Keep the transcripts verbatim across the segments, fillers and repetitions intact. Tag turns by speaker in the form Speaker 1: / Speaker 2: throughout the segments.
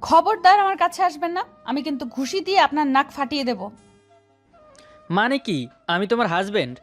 Speaker 1: খবরদার আমার কাছে আসবেন না, আমি কিন্তু ঘুষি দিয়ে আপনার নাক ফাটিয়ে দেব।
Speaker 2: মানে কি? আমি তোমার হাজবেন্ড।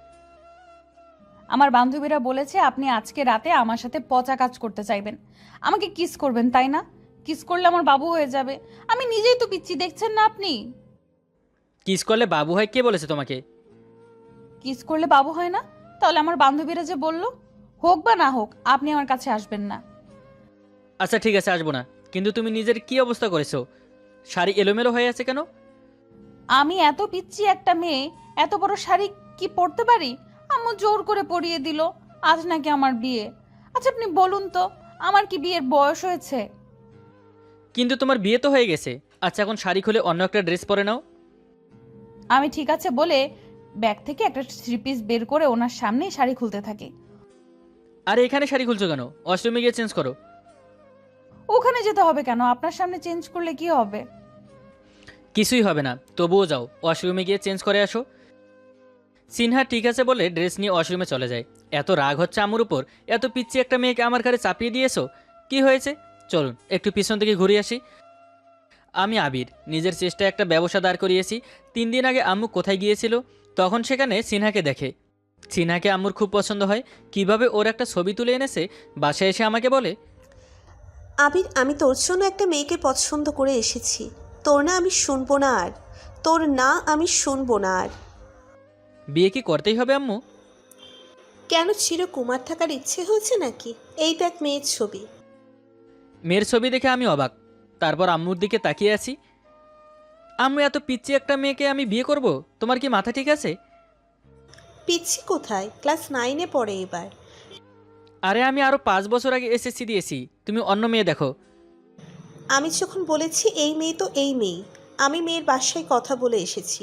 Speaker 1: আমার বান্ধবীরা বলেছে আপনি আজকে রাতে আমার সাথে পচা কাজ করতে চাইবেন, আমাকে কিস করবেন, তাই না? কিস করলে আমার বাবু হয়ে যাবে। আমি নিজেই তো পিচ্ছি, দেখছেন না আপনি?
Speaker 2: কিস করলে বাবু হয় কে বলেছে তোমাকে?
Speaker 1: কিস করলে বাবু হয় না? তাহলে আমার বান্ধবীরা যে বলল, হোক বা না হোক আপনি আমার কাছে আসবেন না।
Speaker 2: আচ্ছা ঠিক আছে, আসবো না। কিন্তু তুমি নিজের কি অবস্থা করেছো? শাড়ি এলোমেলো হয়ে আছে কেন?
Speaker 1: আমি এত পিচ্ছি একটা মেয়ে, এত বড় শাড়ি কি পরতে পারি? আম্মু জোর করে পরিয়ে দিল। আজ নাকি আমার বিয়ে। আচ্ছা আপনি বলুন তো, আমার কি বিয়ের বয়স হয়েছে?
Speaker 2: কিন্তু তোমার বিয়ে তো হয়ে গেছে। আচ্ছা এখন শাড়ি খুলে অন্য একটা ড্রেস পরে নাও।
Speaker 1: আমি ঠিক আছে বলে ব্যাগ থেকে একটা থ্রি পিস বের করে ওনার সামনেই শাড়ি খুলতে থাকি।
Speaker 2: আরে এখানে শাড়ি খুলছো কেন? ওয়াশরুমে গিয়ে চেঞ্জ করো।
Speaker 1: ওখানে যেতে হবে কেন? আপনার সামনে চেঞ্জ করলে কি হবে?
Speaker 2: কিছুই হবে না, তবুও যাও, ওয়াশরুমে গিয়ে চেঞ্জ করে আসো। সিনহা ঠিক আছে বলে ড্রেস নিয়ে ওয়াশরুমে চলে যায়। এত রাগ হচ্ছে আমার উপর, এত পিচ্ছি একটা মেয়েকে আমার ঘরে চাপিয়ে দিয়েছো। কি হয়েছে? চলুন একটু পিছন থেকে ঘুরে আসি। আমি আবির, নিজের চেষ্টায় একটা ব্যবসা দাঁড় করিয়েছি। তিন দিন আগে আম্মু কোথায় গিয়েছিল, তখন সেখানে সিনহাকে দেখে। সিনহাকে আম্মুর খুব পছন্দ হয়। কিভাবে ওর একটা ছবি তুলে এনেছে, বাসায় এসে আমাকে বলে,
Speaker 3: আবির, আমি তোর জন্য একটা মেয়েকে পছন্দ করে এসেছি। তোর না আমি শুনবো না আর। তোর না আমি শুনবো না আর।
Speaker 2: বিয়ে কি করতেই হবে আম্মু?
Speaker 3: কেন, চিরকুমার থাকার ইচ্ছে হয়েছে নাকি? এই দেখ মেয়ের ছবি।
Speaker 2: মেয়ের ছবি দেখে আমি অবাক। তারপর আম্মুর দিকে তাকিয়ে আছি। আম্মু, এত পিচ্ছি একটা মেয়েকে আমি বিয়ে করব? তোমার কি মাথা ঠিক আছে?
Speaker 3: পিচ্ছি কোথায়, ক্লাস নাইনে পড়ে এবার।
Speaker 2: আরে আমি আরও পাঁচ বছর আগে এসএসসি দিয়েছি, তুমি অন্য মেয়ে দেখো।
Speaker 3: আমি যখন বলেছি এই মেয়ে তো এই মেয়ে। আমি মেয়ের বাসায় কথা বলে এসেছি।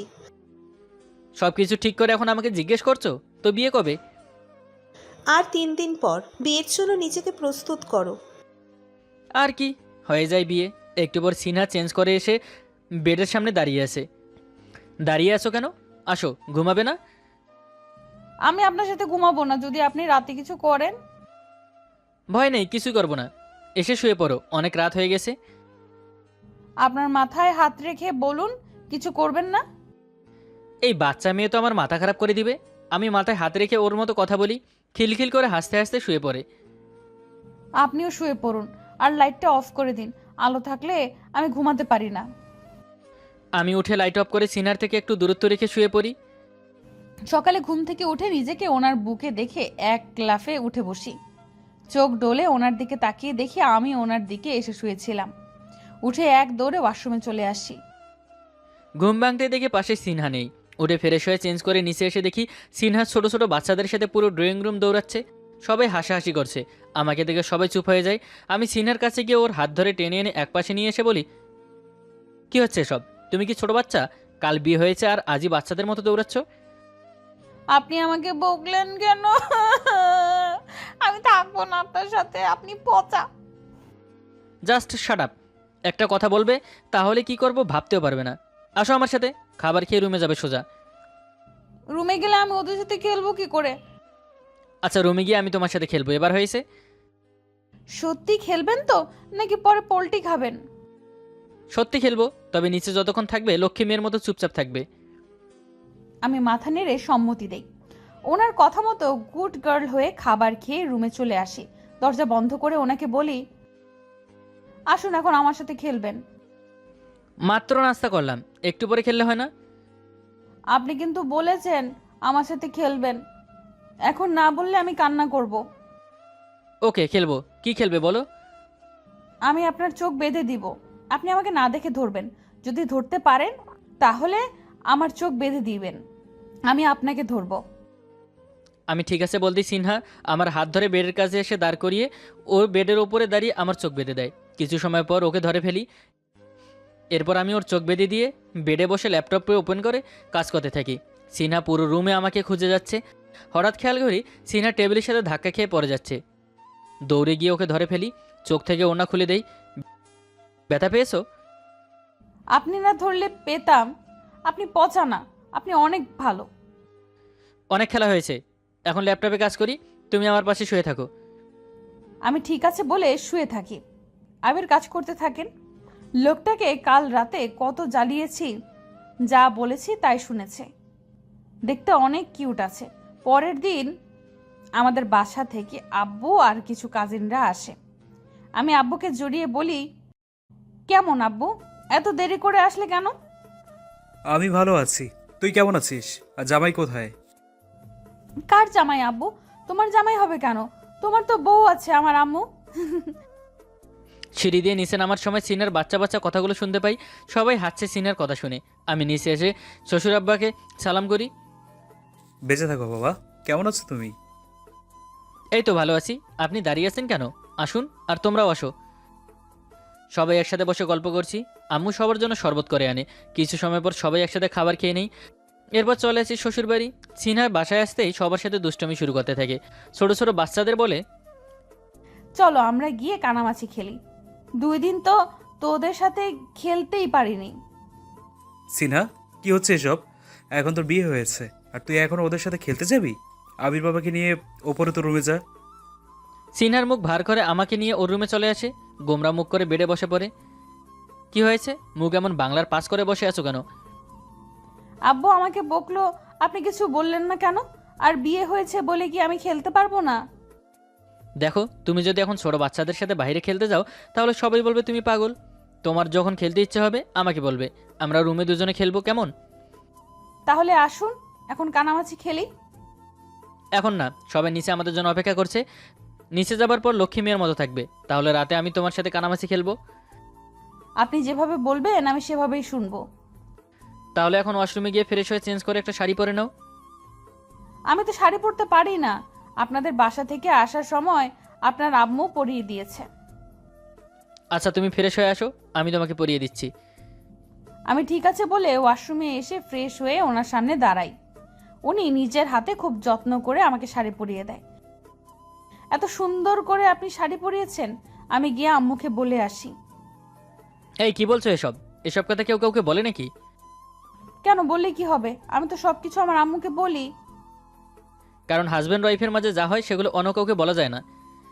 Speaker 2: সব কিছু ঠিক করে এখন আমাকে জিজ্ঞেস করছো তো বিয়ে কবে?
Speaker 3: আর তিন দিন পর বিয়ের জন্য নিজেকে প্রস্তুত করো।
Speaker 2: আর কি, হয়ে যায় বিয়ে। একটু পর সিনহা চেঞ্জ করে এসে বেডের সামনে দাঁড়িয়ে আছে। দাঁড়িয়ে আছো কেন? আসো, ঘুমাবে না?
Speaker 1: আমি আপনার সাথে ঘুমাবো না যদি আপনি রাতে কিছু করেন।
Speaker 2: ভয় নেই, কিছুই করবো না। এসে শুয়ে পড়ো, অনেক রাত হয়ে গেছে।
Speaker 1: আপনার মাথায় হাত রেখে বলুন, কিছু করবেন না।
Speaker 2: এই বাচ্চা মেয়ে তো আমার মাথা খারাপ করে দিবে। আমি মাথায় হাত রেখে ওর মতো কথা বলি, খিলখিল করে হাসতে হাসতে শুয়ে পড়ে।
Speaker 1: আপনিও শুয়ে পড়ুন আর লাইটটা অফ করে দিন। আলো থাকলে আমি ঘুমাতে পারি না।
Speaker 2: আমি উঠে লাইট অফ করে সিনার থেকে একটু দূরত্ব রেখে শুয়ে পড়ি।
Speaker 1: সকালে ঘুম থেকে উঠে নিজেকে ওনার বুকে দেখে এক লাফে উঠে বসি। চোখ ডোলে ওনার দিকে তাকিয়ে দেখি আমি ওনার দিকে এসে শুয়েছিলাম। উঠে এক দৌড়ে ওয়াশরুমে চলে আসি।
Speaker 2: ঘুম ভাঙতে দেখে পাশে সিনহা নেই। উঠে ফ্রেশ হয়ে চেঞ্জ করে নিচে এসে দেখি সিনহা ছোট ছোট বাচ্চাদের সাথে পুরো ড্রয়িং রুম দৌড়াচ্ছে। সবাই হাসাহাসি করছে। আমাকে দেখে সবাই চুপ হয়ে যায়। আমি সিনহার কাছে গিয়ে ওর হাত ধরে টেনে এনে একপাশে নিয়ে এসে বলি, কি হচ্ছে সব? তুমি কি ছোট বাচ্চা? কাল বিয়ে হয়েছে আর আজই বাচ্চাদের মতো দৌড়াচ্ছ?
Speaker 1: আপনি আমাকে বকলেন কেন? আমি থাকবো না আপনার সাথে, আপনি পচা।
Speaker 2: Just shut up. একটা কথা বলবে, তাহলে কি করব ভাবতেও পারবে না। আসো আমার সাথে, খাবার খেয়ে রুমে যাবে সোজা।
Speaker 1: রুমে গেলে আমি ওদের সাথে খেলবো কি করে?
Speaker 2: আচ্ছা রুমে গিয়ে আমি তোমার সাথে খেলবো, এবার হয়েছে?
Speaker 1: সত্যি খেলবেন তো, নাকি পরে পোল্টি খাবেন?
Speaker 2: সত্যি খেলবো, তবে নিচে যতক্ষণ থাকবে লক্ষ্মী মেয়ের মতো চুপচাপ থাকবে।
Speaker 1: আমি মাথা নেড়ে সম্মতি দেই। ওনার কথা মতো গুড গার্ল হয়ে খাবার খেয়ে রুমে চলে আসি। দরজা বন্ধ করে ওনাকে বলি, আসুন এখন আমার সাথে খেলবেন।
Speaker 2: মাত্র নাস্তা করলাম, একটু পরে খেললে হয় না?
Speaker 1: আপনি কিন্তু বলেছেন আমার সাথে খেলবেন। এখন না বললে আমি কান্না করব।
Speaker 2: ওকে খেলবো। কি খেলবে বলো?
Speaker 1: আমি আপনার চোখ বেঁধে দিব। আপনি আমাকে না দেখে ধরবেন। যদি ধরতে পারেন তাহলে আমার চোখ বেঁধে দিবেন, আমি আপনাকে ধরবো।
Speaker 2: আমি ঠিক আছে বলতেই সিনহা আমার হাত ধরে বেডের কাছে এসে দাঁড় করিয়ে ওর বেডের ওপরে দাঁড়িয়ে আমার চোখ বেঁধে দেয়। কিছু সময় পর ওকে ধরে ফেলি। এরপর আমি ওর চোখ বেঁধে দিয়ে বেডে বসে ল্যাপটপে ওপেন করে কাজ করতে থাকি। সিনহা পুরো রুমে আমাকে খুঁজে যাচ্ছে। হঠাৎ খেয়াল করি সিনহা টেবিলের সাথে ধাক্কা খেয়ে পড়ে যাচ্ছে। দৌড়ে গিয়ে ওকে ধরে ফেলি, চোখ থেকে ওড়না খুলে দেই। ব্যথা পেয়েছো?
Speaker 1: আপনি না ধরলে পেতাম। আপনি পচা না, আপনি অনেক ভালো।
Speaker 2: অনেক খেলা হয়েছে, এখন ল্যাপটপে কাজ করি, তুমি আমার পাশে শুয়ে থাকো।
Speaker 1: আমি ঠিক আছে বলে শুয়ে থাকি। আবির কাজ করতে থাকেন। লোকটাকে কাল রাতে কত জ্বালিয়েছি, যা বলেছি তাই শুনেছে। দেখতে অনেক কিউট আছে। পরের দিন আমাদের বাসা থেকে আব্বু আর কিছু কাজিনরা আসে। আমি আব্বুকে জড়িয়ে বলি, কেমন আব্বু, এত দেরি করে আসলে কেন?
Speaker 4: আমি ভালো আছি, তুই কেমন আছিস? আর জামাই কোথায়?
Speaker 1: কার জামাই আব্বু? তোমার জামাই হবে কেন? তোমার তো বউ আছে আমার আম্মু।
Speaker 2: সিঁড়ি দিয়ে নিচে নামার সময় সিনার বাচ্চা বাচ্চা কথাগুলো শুনতে পাই। সবাই হাসছে সিনার কথা শুনে। আমি নিচে এসে শ্বশুর আব্বাকে সালাম করি।
Speaker 4: বেঁচে থাকো বাবা, কেমন আছো তুমি?
Speaker 2: এই তো ভালো আছি। আপনি দাঁড়িয়ে আছেন কেন? আসুন, আর তোমরাও আসো। সবাই একসাথে বসে গল্প করছি। আম্মু সবার জন্য শরবত করে আনে। কিছু সময় পর সবাই একসাথে খাবার খেয়ে নেই। এরপর চলে আসি শ্বশুরবাড়ি। সিনহার বাসায় আসতেই সবার সাথে দুষ্টমি শুরু করতে থাকে। ছোট ছোট বাচ্চাদের বলে,
Speaker 1: চলো আমরা গিয়ে কানামাছি খেলি। দুই দিন তো তোদের সাথে খেলতেই পারিনি।
Speaker 4: সিনহা, কি হচ্ছে এসব? এখন তোর বিয়ে হয়েছে আর তুই এখন ওদের সাথে খেলতে যাবি? আবির বাবাকে নিয়ে ওপরে তো রুমে যা।
Speaker 2: সিনহার মুখ ভার করে আমাকে নিয়ে ওর রুমে চলে আসে। গোমরা মুখ করে বেডে বসে পড়ে। কি হয়েছে? মুখ এমন বাংলার পাস করে বসে আছো কেন?
Speaker 1: আব্বু আমাকে বকলো, আপনি কিছু বললেন না কেন? আর বিয়ে হয়েছে বলে কি আমি খেলতে পারবো না?
Speaker 2: দেখো, তুমি যদি এখন ছোট বাচ্চাদের সাথে বাইরে খেলতে যাও তাহলে সবাই বলবে তুমি পাগল। তোমার যখন খেলতে ইচ্ছে হবে আমাকে বলবে, আমরা রুমে দুজনে খেলবো, কেমন?
Speaker 1: তাহলে আসুন এখন কানামাছি খেলি।
Speaker 2: এখন না, সবাই নিচে আমাদের জন্য অপেক্ষা করছে। নিচে যাবার পর লক্ষ্মী মেয়ের মতো থাকবে, তাহলে রাতে আমি তোমার সাথে কানামাছি খেলবো।
Speaker 1: আপনি যেভাবে বলবেন আমি সেভাবেই শুনবো।
Speaker 2: তাহলে এখন ওয়াশরুমে গিয়ে ফ্রেশ হয়ে চেঞ্জ করে একটা শাড়ি পরে নাও।
Speaker 1: আমি তো শাড়ি পরতে পারি না। আপনাদের বাসা থেকে আসার সময় আপনার আম্মু পরিয়ে দিয়েছে।
Speaker 2: আচ্ছা, তুমি ফ্রেশ হয়ে আসো, আমি তোমাকে পরিয়ে দিচ্ছি।
Speaker 1: আমি ঠিক আছে বলে ওয়াশরুমে এসে ফ্রেশ হয়ে ওনার সামনে দাঁড়াই। উনি নিজের হাতে খুব যত্ন করে আমাকে শাড়ি পরিয়ে দেয়। এত সুন্দর করে আপনি শাড়ি পরিয়েছেন, আমি গিয়ে আম্মুকে বলে আসি।
Speaker 2: এই কি বলছো এসব? এসব কথা কেউ কাউকে বলে নাকি?
Speaker 1: কেন, বললে কি হবে? আমি তো সবকিছু আমার আম্মুকে বলি।
Speaker 2: কারণ হাজব্যান্ড ওয়াইফের মাঝে যা হয় সেগুলো অন্য কাউকে বলা যায় না।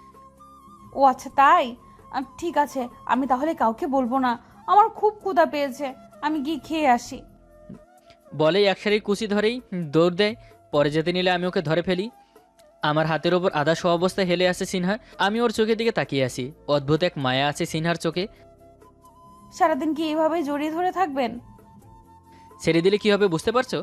Speaker 1: ও আচ্ছা তাই? আহ, ঠিক আছে, আমি তাহলে কাউকে বলবো না। আমার খুব ক্ষুধা পেয়েছে, আমি গিয়ে খেয়ে আসি।
Speaker 2: বলেই এক শাড়ির কুচি ধরেই দৌড় দেয়। পরে যেতে নিলে আমি ওকে ধরে ফেলি। আমার হাতের ওপর আধা শো অবস্থায় হেলে আসে সিনহা। আমি ওর চোখের দিকে তাকিয়ে আসি। অদ্ভুত এক মায়া আছে সিনহার চোখে।
Speaker 1: সারাদিন কি এইভাবে জড়িয়ে ধরে থাকবেন?
Speaker 2: ছেড়ে দিলে কি হবে বুঝতে পারছো?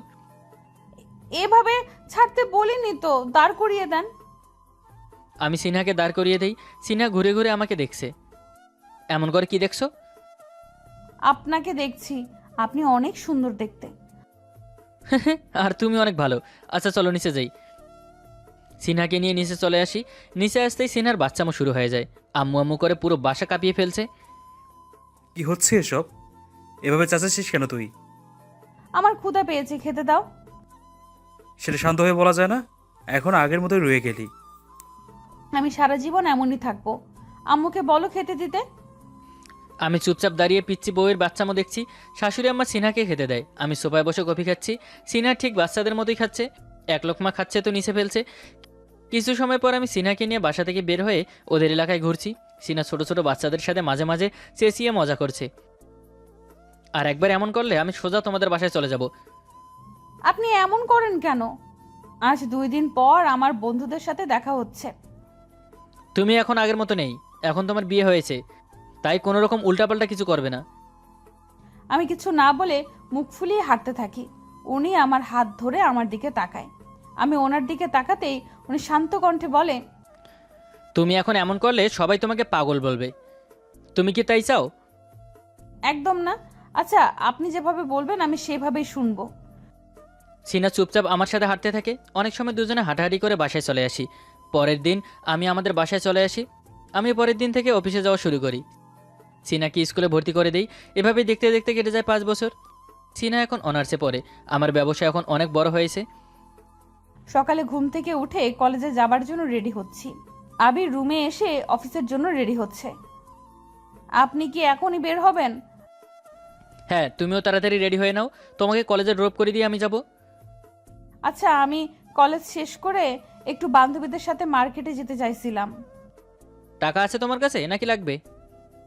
Speaker 1: এভাবে ছাড়তে বলিনি তো, দাঁড় করিয়ে দেন।
Speaker 2: আমি সিনহাকে দাঁড় করিয়ে দেই। সিনহা ঘুরে ঘুরে আমাকে দেখছে। এমন করে কি দেখছো?
Speaker 1: আপনাকে দেখছি, আপনি অনেক সুন্দর দেখতে।
Speaker 2: আর তুমি অনেক ভালো। আচ্ছা চলো নিচে যাই। সিনহাকে নিয়ে নিচে চলে আসি। নিচে আসতেই সিনহার বাচ্চামো শুরু হয়ে যায়। আম্মু আম্মু করে পুরো বাসা কাঁপিয়ে ফেলছে।
Speaker 4: কি হচ্ছে এসব? এভাবে চাচাচ্ছিস কেন তুই?
Speaker 1: আমার ক্ষুধা পেয়েছে, খেতে দাও।
Speaker 4: সেটা শান্ত হয়ে বলা যায় না? এখন আগের মতোই রয়ে গেলি।
Speaker 1: আমি সারা জীবন এমনই থাকবো। আম্মুকে বলো খেতে দিতে।
Speaker 2: আমি চুপচাপ দাঁড়িয়ে পিচ্ছি বউয়ের বাচ্চামো দেখছি। শাশুড়ি আম্মা সিনহাকে খেতে দেয়। আমি সোফায় বসে কফি খাচ্ছি। সিনহা ঠিক বাচ্চাদের মতোই খাচ্ছে। এক লোকমা খাচ্ছে তো নিচে ফেলছে। কিছু সময় পর আমি সিনহাকে নিয়ে বাসা থেকে বের হয়ে ওদের এলাকায় ঘুরছি। সিনহা ছোট ছোট বাচ্চাদের সাথে মাঝে মাঝে চেঁচিয়ে মজা করছে। আর একবার এমন করলে আমি সোজা তোমাদের বাসায় চলে যাব।
Speaker 1: আপনি এমন করেন কেন? আজ দুই দিন পর আমার বন্ধুদের সাথে দেখা হচ্ছে।
Speaker 2: তুমি এখন আগের মতো নেই। এখন তোমার বিয়ে হয়েছে, তাই কোনো রকম উল্টাপাল্টা কিছু করবে না।
Speaker 1: আমি কিছু না বলে মুখ ফুলিয়ে হাঁটতে থাকি। উনি আমার হাত ধরে আমার দিকে তাকায়। আমি ওনার দিকে তাকাতেই উনি শান্ত কণ্ঠে বলে,
Speaker 2: তুমি এখন এমন করলে সবাই তোমাকে পাগল বলবে। তুমি কি তাই চাও?
Speaker 1: একদম না। আচ্ছা আপনি যেভাবে বলবেন আমি সেভাবেই শুনবো।
Speaker 2: সিনা চুপচাপ আমার সাথে হাঁটতে থাকে। অনেক সময় দুজনে হাঁটাহাঁটি করে বাসায় চলে আসি। পরের দিন আমি আমাদের বাসায় চলে আসি। আমি পরের দিন থেকে অফিসে যাওয়া শুরু করি। সিনাকে স্কুলে ভর্তি করে দিই। এভাবেই দেখতে দেখতে কেটে যায় পাঁচ বছর। সিনা এখন অনার্সে পড়ে। আমার ব্যবসা এখন অনেক বড় হয়েছে।
Speaker 1: সকালে ঘুম থেকে উঠে কলেজে যাবার জন্য রেডি হচ্ছি। আবির রুমে এসে অফিসের জন্য রেডি হচ্ছে। আপনি কি এখনই বের হবেন?
Speaker 2: হ্যাঁ, তুমিও তাড়াতাড়ি রেডি হয়ে নাও। তোমাকে কলেজে ড্রপ করে দিয়ে আমি যাব।
Speaker 1: আচ্ছা, আমি কলেজ শেষ করে একটু বান্ধবীদের সাথে মার্কেটে যেতে চাইছিলাম।
Speaker 2: টাকা আছে তোমার কাছে নাকি লাগবে?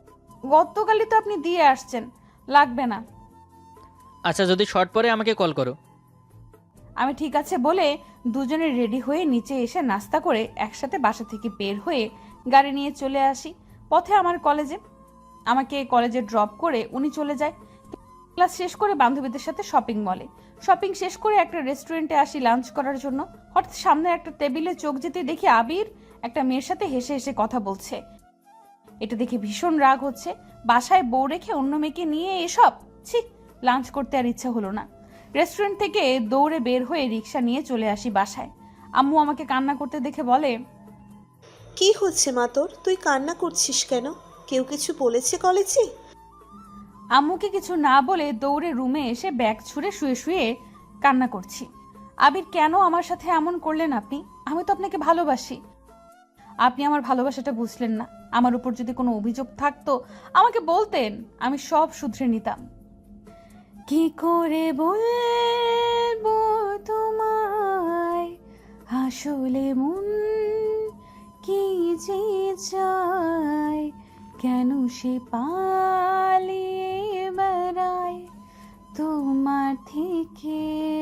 Speaker 1: গতকালই তো আপনি দিয়ে আসছেন, লাগবে না।
Speaker 2: আচ্ছা যদি শর্ট পরে আমাকে কল করো।
Speaker 1: আমি ঠিক আছে বলে দুজনে রেডি হয়ে নিচে এসে নাস্তা করে একসাথে বাসা থেকে বের হয়ে গাড়ি নিয়ে চলে আসি পথে আমার কলেজে। আমাকে কলেজে ড্রপ করে উনি চলে যায়। ক্লাস শেষ করে বান্ধবীদের সাথে শপিং মলে, শপিং শেষ করে একটা রেস্টুরেন্টে আসি লাঞ্চ করার জন্য। হঠাৎ সামনে একটা টেবিলে চোখ যেতে দেখি আবির একটা মেয়ের সাথে হেসে হেসে কথা বলছে। এটা দেখে ভীষণ রাগ হচ্ছে। বাসায় বউ রেখে অন্য মেয়েকে নিয়ে এসব, ছি, লাঞ্চ করতে আর ইচ্ছা হলো না। রেস্টুরেন্ট থেকে দৌড়ে বের হয়ে রিক্সা নিয়ে চলে আসি বাসায়। আম্মু আমাকে কান্না করতে দেখে বলে,
Speaker 3: কি হচ্ছে মা তোর? তুই কান্না করছিস কেন? কেউ কিছু বলেছে কলেজে?
Speaker 1: আম্মুকে কিছু না বলে দৌড়ে রুমে এসে ব্যাগ ছুঁড়ে শুয়ে শুয়ে কান্না করছি। আবির কেন আমার সাথে এমন করলেন আপনি? আমি তো আপনাকে ভালোবাসি। আপনি আমার ভালোবাসাটা বুঝলেন না। আমার উপর যদি কোনো অভিযোগ থাকতো আমাকে বলতেন, আমি সব শুধরে নিতাম। কি করে বলবো তোমায় আসলে মন কি যে চায়, কেন সে পালিয়ে বেড়ায় তোমার থেকে।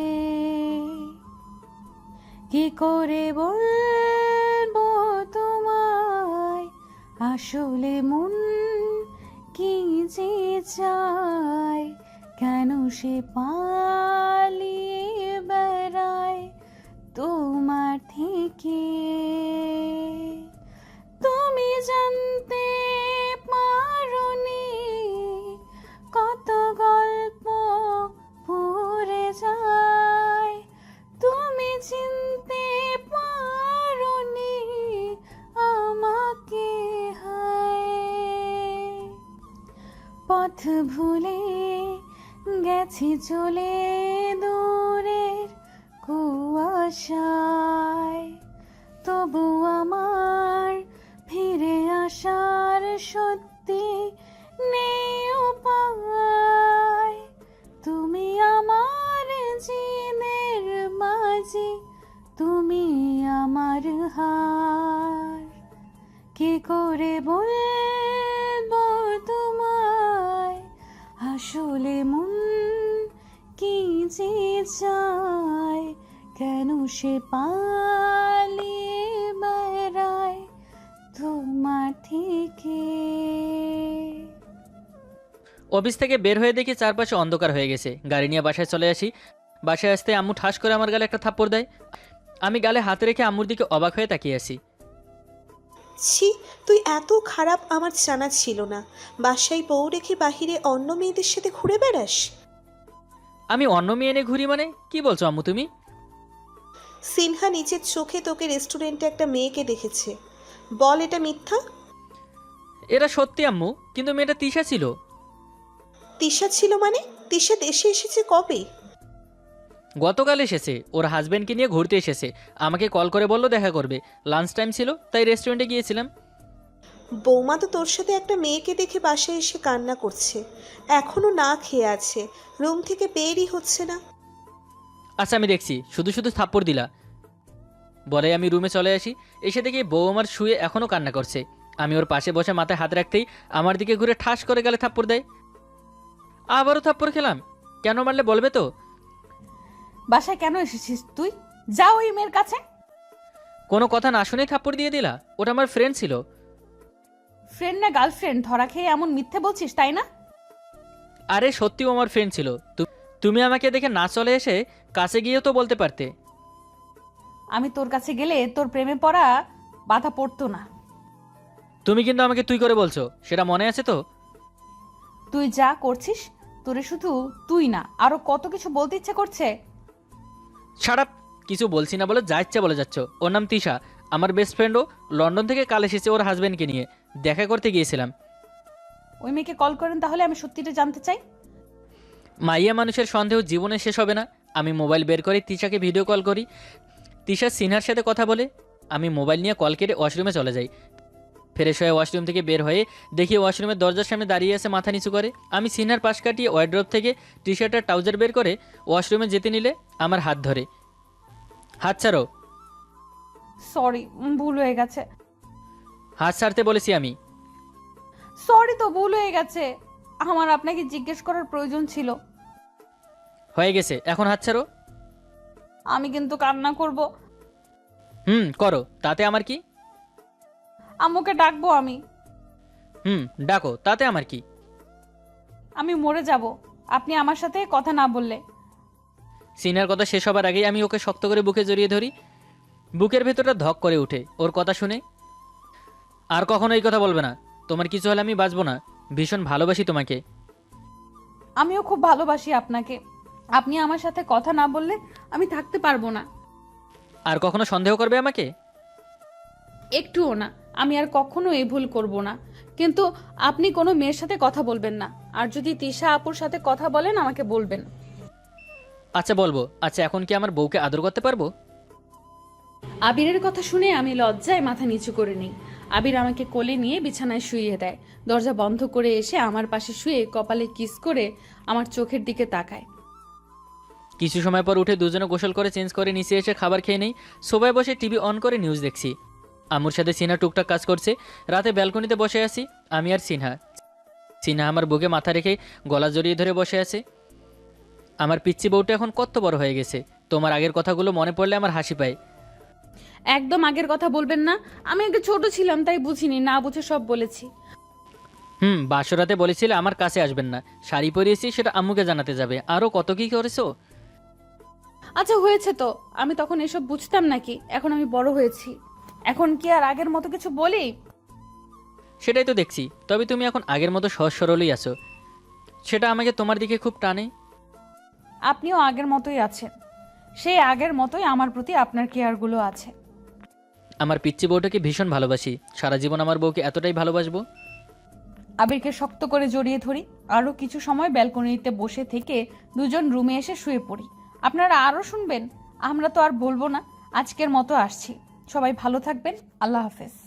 Speaker 1: কি করে বলবো তোমায় আসলে মন কি যে চায়, কেন সে পালিয়ে বেড়ায় তোমার থেকে। তুমি জানতে পারোনি কত গল্প পড়ে যায়, তুমি চিনতে পারোনি আমাকে। হায় পথ ভুলে গেছি চলে দূরের কুয়াশায়, তবু আমার ফিরে আসার সত্যি নেই উপায়। তুমি আমার জিনের মাঝি, তুমি আমার হার। কি করে বলবো তোমায় আসলে মন কি যে চায়, কেন সে পালিয়ে বেড়ায় তোমার থেকে।
Speaker 2: অফিস থেকে বের হয়ে দেখি চারপাশে অন্ধকার হয়ে গেছে। গাড়ি নিয়ে বাসায় চলে আসি। বাসায় আসতে আম্মু ঠাস করে আমার গালে একটা থাপ্পড় দেয়। আমি গালে হাতে রেখে আম্মুর দিকে অবাক হয়ে তাকিয়ে আসি।
Speaker 3: ছি, তুই এত খারাপ আমার জানা ছিল না। বাসায় বউ রেখে বাহিরে অন্য মেয়েদের সাথে ঘুরে বেড়াস?
Speaker 2: আমি অন্য মেয়ে এনে ঘুরি মানে? কি বলছো আম্মু তুমি?
Speaker 3: সিনহা নিজের চোখে তোকে রেস্টুরেন্টে একটা মেয়েকে দেখেছে। বল এটা মিথ্যা?
Speaker 2: এরা সত্যি আম্মু, কিন্তু মেয়েটা তিশা ছিল।
Speaker 3: তিশা ছিল মানে? তিশা দেশে এসেছে কবে?
Speaker 2: গতকাল এসেছে, ওর হাজব্যান্ডকে নিয়ে ঘুরতে এসেছে। আমাকে কল করে বললো দেখা করবে। লাঞ্চ টাইম ছিল তাই রেস্টুরেন্টে গিয়েছিলাম।
Speaker 3: বৌমা তো তোর সাথে একটা মেয়েকে দেখে বাসায় এসে কান্না করছে, এখনো না খেয়ে আছে, রুম থেকে বেরই হচ্ছে না।
Speaker 2: আচ্ছা আমি দেখছি, শুধু শুধু থাপ্পড় দিলা। বলে আমি রুমে চলে আসি। এসে দেখি বউ আমার শুয়ে এখনও কান্না করছে। আমি ওর পাশে বসে মাথায় হাত রাখতেই আমার দিকে ঘুরে ঠাস করে গালে থাপ্পড় দেয়। আবারও থাপ্পড় খেলাম। কেন মারলে বলবে তো?
Speaker 1: বাসায় কেন এসেছিস তুই? যা ওই মেয়ের কাছে।
Speaker 2: কোনো কথা না শুনেই থাপ্পড় দিয়ে দিলা? ওটা আমার ফ্রেন্ড ছিল।
Speaker 1: ফ্রেন্ড না গার্লফ্রেন্ড ধরা খেয়ে এমন মিথ্যে বলছিস, তাই না?
Speaker 2: আরে সত্যিও আমার ফ্রেন্ড ছিল। তু- তুমি আমাকে দেখে না চলে এসে কাছে গিয়েও তো বলতে পারতে।
Speaker 1: আমি তোর কাছে গেলে তোর প্রেমে পড়া বাধা পড়তো না।
Speaker 2: তুমি কিন্তু আমাকে তুই করে বলছো, সেটা মনে আছে তো?
Speaker 1: তুই যা করছিস, তোরে শুধু তুই না আরো কত কিছু বলতে ইচ্ছে করছে।
Speaker 2: ছাড়াপ, কিছু বলছি না বলে যা ইচ্ছা বলে যাচ্ছ। ওর নাম তিশা, আমার বেস্ট ফ্রেন্ডও। লন্ডন থেকে কাল এসেছে ওর হাজব্যান্ডকে নিয়ে, দেখা করতে গিয়েছিলাম।
Speaker 1: ওই মেয়েকে কল করেন তাহলে, আমি সত্যিটা জানতে চাই।
Speaker 2: মাইয়া মানুষের সন্দেহ জীবনে শেষ হবে না। আমি মোবাইল বের করে তিশাকে ভিডিও কল করি। তিশা সিনহার সাথে কথা বলে। আমি মোবাইল নিয়ে কল কেটে ওয়াশরুমে চলে যাই। ফ্রেশ হয়ে ওয়াশরুম থেকে বের হয়ে দেখি ওয়াশরুমের দরজার সামনে দাঁড়িয়ে আছে মাথা নিচু করে। আমি সিনহার পাশ কাটিয়ে ওয়ার্ড্রপ থেকে টি শার্ট আর ট্রাউজার বের করে ওয়াশরুমে যেতে নিলে আমার হাত ধরে। হাত ছাড়ো।
Speaker 1: সরি, ভুল হয়ে গেছে।
Speaker 2: হাত ছাড়তে বলেছি আমি।
Speaker 1: সরি তো, ভুল হয়ে গেছে। আমার আপনাকে জিজ্ঞেস করার প্রয়োজন ছিল।
Speaker 2: হয়ে গেছে, এখন হাত ছাড়ো।
Speaker 1: আমি কিন্তু কান্না করব।
Speaker 2: হুম করো, তাতে আমার কি?
Speaker 1: আম্মুকে ডাকবো আমি।
Speaker 2: হুম ডাকো, তাতে আমার কি?
Speaker 1: আমি মরে যাব আপনি আমার সাথে কথা না বললে।
Speaker 2: সিনহার কথা শেষ হবার আগেই আমি ওকে শক্ত করে বুকে জড়িয়ে ধরি। বুকের ভেতরটা ধক করে ওঠে ওর কথা শুনে। আর কখনো এই কথা বলবে না, তোমার কিছু হলে আমি বাঁচবো না। ভীষণ ভালোবাসি তোমাকে।
Speaker 1: আমিও খুব ভালোবাসি আপনাকে। আপনি আমার সাথে কথা না বললে আমি থাকতে পারবো না।
Speaker 2: আর কখনো সন্দেহ করবে আমাকে?
Speaker 1: একটুও না। আমি আর কখনো এই ভুল করব না। কিন্তু আপনি কোনো মেয়ের সাথে কথা বলবেন না। আর যদি তিশা আপুর সাথে কথা বলেন আমাকে বলবেন।
Speaker 2: আচ্ছা বলবো। আচ্ছা এখন কি আমার বউকে আদর করতে পারবো?
Speaker 1: আবিরের কথা শুনে আমি লজ্জায় মাথা নিচু করে নিই। আবির আমাকে কোলে নিয়ে বিছানায় শুইয়ে দেয়। দরজা বন্ধ করে এসে আমার পাশে শুয়ে কপালে কিস করে আমার চোখের দিকে তাকায়।
Speaker 2: কিছু সময় পর উঠে দুজনে গোসল করে চেঞ্জ করে নিচে এসে খাবার খেয়ে নেই। সোফায় বসে টিভি অন করে নিউজ দেখছি। আম্মুর সাথে সিনহা টুকটাক কাজ করছে। রাতে ব্যালকনিতে বসে আছি আমি আর সিনহা। সিনহা আমার বুকে মাথা রেখে গলা জড়িয়ে ধরে বসে আছে। আমার পিচ্চি বউটা এখন কত বড় হয়ে গেছে। তোমার আগের কথাগুলো মনে পড়লে আমার হাসি পায়।
Speaker 1: একদম আগের কথা বলবেন না। আমি আগে ছোট ছিলাম তাই বুঝিনি, না বুঝে সব বলেছি।
Speaker 2: হুম বাসরাতে বলেছিলে আমার কাছে আসবেন না, শাড়ি পরিয়েছি সেটা আম্মুকে জানাতে যাবে, আরও কত কি করেছো।
Speaker 1: আচ্ছা হয়েছে তো, আমি তখন এসব বুঝতাম নাকি? এখন আমি বড় হয়েছি, এখন কি আর আগের মতো কিছু বলি?
Speaker 2: সেটাই তো দেখছি। তবে তুমি এখন আগের মতো সহজ সরলই আছো, সেটা আমাকে তোমার দিকে খুব টানে।
Speaker 1: আপনিও আগের মতোই আছেন, সেই আগের মতোই আমার প্রতি আপনার কেয়ারগুলো আছে।
Speaker 2: আমার পিচ্চি বউটাকে ভীষণ ভালোবাসি, সারা জীবন আমার বউকে এতটাই ভালোবাসবো।
Speaker 1: আবিরকে শক্ত করে জড়িয়ে ধরি। আরও কিছু সময় ব্যালকনিতে বসে থেকে দুজন রুমে এসে শুয়ে পড়ি। আপনারা আরও শুনবেন? আমরা তো আর বলবো না। আজকের মতো আসছি। সবাই ভালো থাকবেন। আল্লাহ হাফেজ।